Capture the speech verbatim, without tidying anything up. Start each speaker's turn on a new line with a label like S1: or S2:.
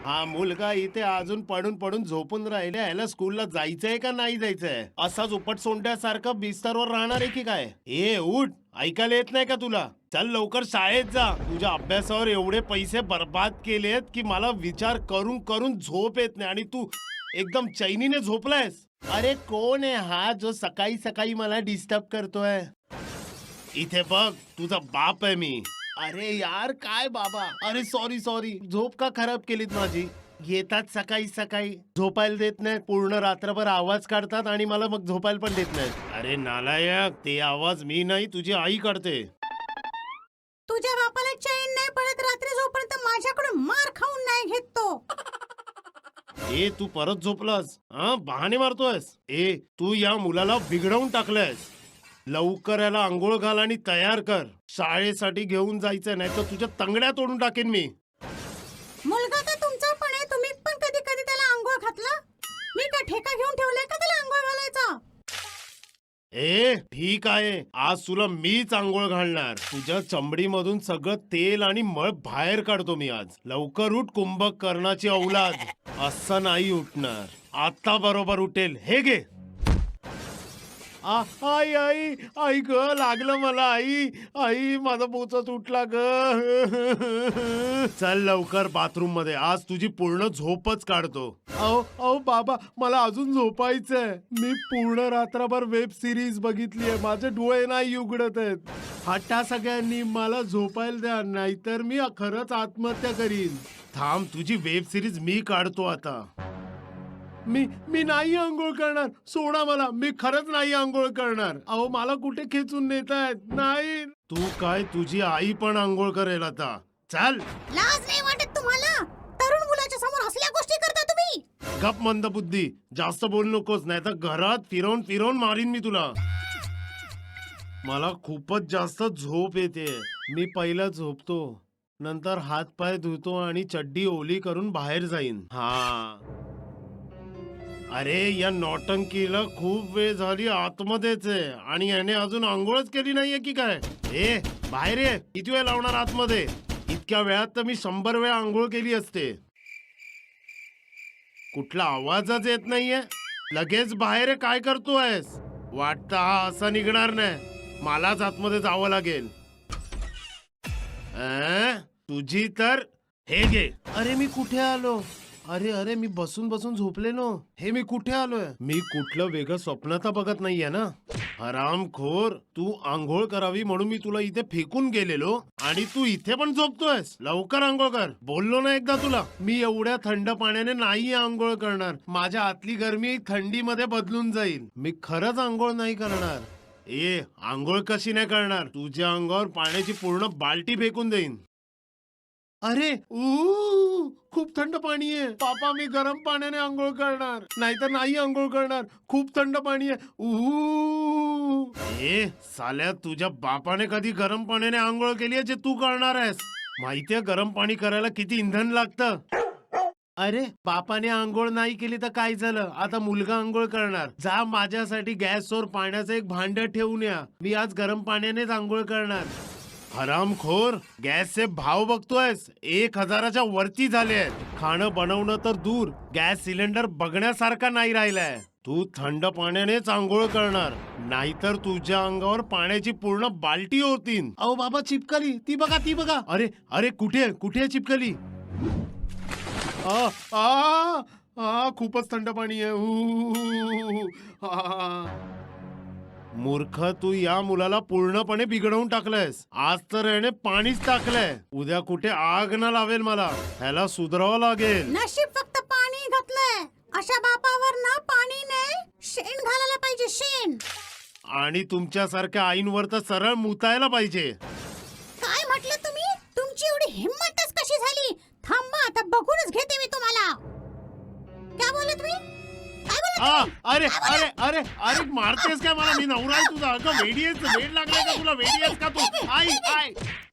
S1: हा मुलगा इथे अजून पडून पडून झोपून राहिले, याला स्कूलला जायचंय का नाही जायचंय? असाच उपट सोंड्यासारखं बिस्तरवर राहणार आहे की काय? ए उठ, ऐकायला येत नाही का तुला? चल लवकर शाळेत जा. तुझ्या अभ्यासावर एवढे पैसे बर्बाद केलेत की मला विचार करून करून झोप येत नाही आणि तू एकदम चैनीने झोपलायस. अरे कोण आहे हा जो सकाळी सकाळी मला डिस्टर्ब करतोय? इथे बघ, तुझा बाप आहे मी. अरे यार काय बाबा, अरे सॉरी सॉरी, झोप का खराब केलीत माझी? येतात सकाळी सकाळी, झोपायला देत नाहीत, पूर्ण रात्रभर आवाज काढतात आणि मला मग झोपायला पण देत नाहीत. अरे नालायक, ते आवाज मी नाही तुझी आई काढते.
S2: तुझ्या बापाला चैन नाही पडत रात्री झोपर्यंत माझ्याकडून मार खाऊन नाही घेत तो.
S1: ए तू परत झोपलास? हा बहाणे मारतोयस? ए तू या मुलाला बिघडवून टाकलंयस. लवकर याला आंघोळ घाल आणि तयार कर. शाळेसाठी घेऊन जायचं, नाही तर तुझ्या तंगड्या तोडून टाकेन मी.
S2: मुलगा तर तुमचा पण आहे, तुम्ही पण कधी कधी त्याला आंघोळ घातला? मी का ठेका घेऊन ठेवलाय का त्याला आंघोळ घालायचा?
S1: ए ठीक आहे, आज तुला मीच आंघोळ घालणार. तुझ्या चमडीमधून सगळं तेल आणि मळ बाहेर काढतो मी आज. लवकर उठ कुंभकर्णाची औलाद. असं नाही उठणार, आता बरोबर उठेल. हे घे. आ, आई आई आई ग, लागलं मला. आई आई माझा बोचा तुटला ग. चल लवकर बाथरूम मध्ये, आज तुझी पूर्ण झोपच काढतो. अहो अहो बाबा, मला अजून झोपायचंय. मी पूर्ण रात्रभर वेब सिरीज बघितली आहे, माझे डोळे नाही उघडत आहेत. हट्टा सगळ्यांनी, मला झोपायला द्या, नाहीतर मी खरंच आत्महत्या करीन. थांब, तुझी वेब सिरीज मी काढतो आता. मी मी नाही आंघोळ करणार, सोडा मला. मी खरंच नाही आंघोळ करणार. अहो मला कुठे खेचून नेतायत? नाही. तू काय, तुझी आई पण आंघोळ करेल आता. चल.
S2: लाज नाही वाटत तुम्हाला? तरुण मुलाच्या समोर असल्या गोष्टी करता तुम्ही?
S1: गप मंद बुद्धी, जास्त बोल नकोस, नाही तर घरात फिरवून फिरवून मारीन मी तुला. मला खूपच जास्त झोप येते. मी पहिला झोपतो, नंतर हात पाय धुतो आणि चड्डी ओली करून बाहेर जाईन. हा. अरे या नौटंकीला खूप वेळ झाली आतमध्येच आहे आणि याने अजून आंघोळच केली नाहीये की काय? ए बाहेर ये, किती वेळ लावणार आतमध्ये? इतक्या वेळात तर मी शंभर वेळा आंघोळ केली असते. कुठला आवाजच येत नाहीये. लगेच बाहेर ये, काय करतोयस? वाटतं हा असा निघणार नाही, मलाच आतमध्ये जावं लागेल. अं? तुझी तर हे घे. अरे मी कुठे आलो? अरे अरे मी बसून बसून झोपलेलो. हे मी कुठे आलोय? मी कुठलं वेगळं स्वप्न तर बघत नाहीये ना? हरामखोर, तू आंघोळ करावी म्हणून मी तुला इथे फेकून गेलेलो आणि तू इथे पण झोपतोयस. लवकर आंघोळ कर. बोललो ना एकदा तुला, मी एवढ्या थंड पाण्याने नाही आंघोळ करणार. माझ्या आतली गरमी थंडीमध्ये बदलून जाईल. मी खरंच आंघोळ नाही करणार. ए आंघोळ कशी नाही करणार? तुझ्या अंगावर पाण्याची पूर्ण बाल्टी फेकून देईन. अरे ऊ खूप थंड पाणी आहे. पापा मी गरम पाण्याने आंघोळ करणार, नाहीतर नाही आंघोळ करणार. खूप थंड पाणी आहे. ऊ ए साल्या, तुझ्या बापाने कधी गरम पाण्याने आंघोळ केली आहे जे तू करणार आहेस? माहितीये गरम पाणी करायला किती इंधन लागतं? अरे बापाने आंघोळ नाही केली तर काय झालं? आता मुलगा आंघोळ करणार. जा माझ्यासाठी गॅसवर पाण्याचं एक भांड ठेवून या. मी आज गरम पाण्यानेच आंघोळ करणार. हरामखोर, गॅसचे भाव बघतोयस? एक हजाराच्या वरती झाले आहेत. खाणं बनवणं तर दूर, गॅस सिलेंडर बघण्यासारखा नाही राहिलाय. तू थंड पाण्यानेच आंघोळ करणार, नाहीतर तुझ्या अंगावर पाण्याची पूर्ण बाल्टी होतीन. अहो बाबा चिपकली, ती बघा ती बघा. अरे अरे कुठे कुठे चिपकली? आ आ आ खूपच थंड पाणी आहे. ऊ, आ. मूर्ख, तू या मुलाला पूर्णपणे बिघडवून टाकलंयस. आज तर याने पाणीच टाकलंय, उद्या कुठे आग न लावेल मला. ह्याला सुधारावं लागेल.
S2: नशीब फक्त पाणी घातलंय. अशा बापावर ना पाणी नाही, शेण घालायला पाहिजे, शेण.
S1: आणि तुमच्यासारख्या आईंवर तर सरळ मुतायला पाहिजे.
S2: काय म्हटलं तुम्ही? तुमची एवढी हिम्मतच कशी झाली? थांबा, आता बघूनच घेते मी तुम्हाला. काय बोलत तुम्ही? काय बोलत
S1: आ,
S2: तुम्ही?
S1: अरे
S2: काय बोलत?
S1: अरे अरे अरे मारतेस काय मला? मी नवरा आहे तुझा. अगं वेडी आहेस, वेड लागलाय का तुला? वेडी आहेस का तू? आई आई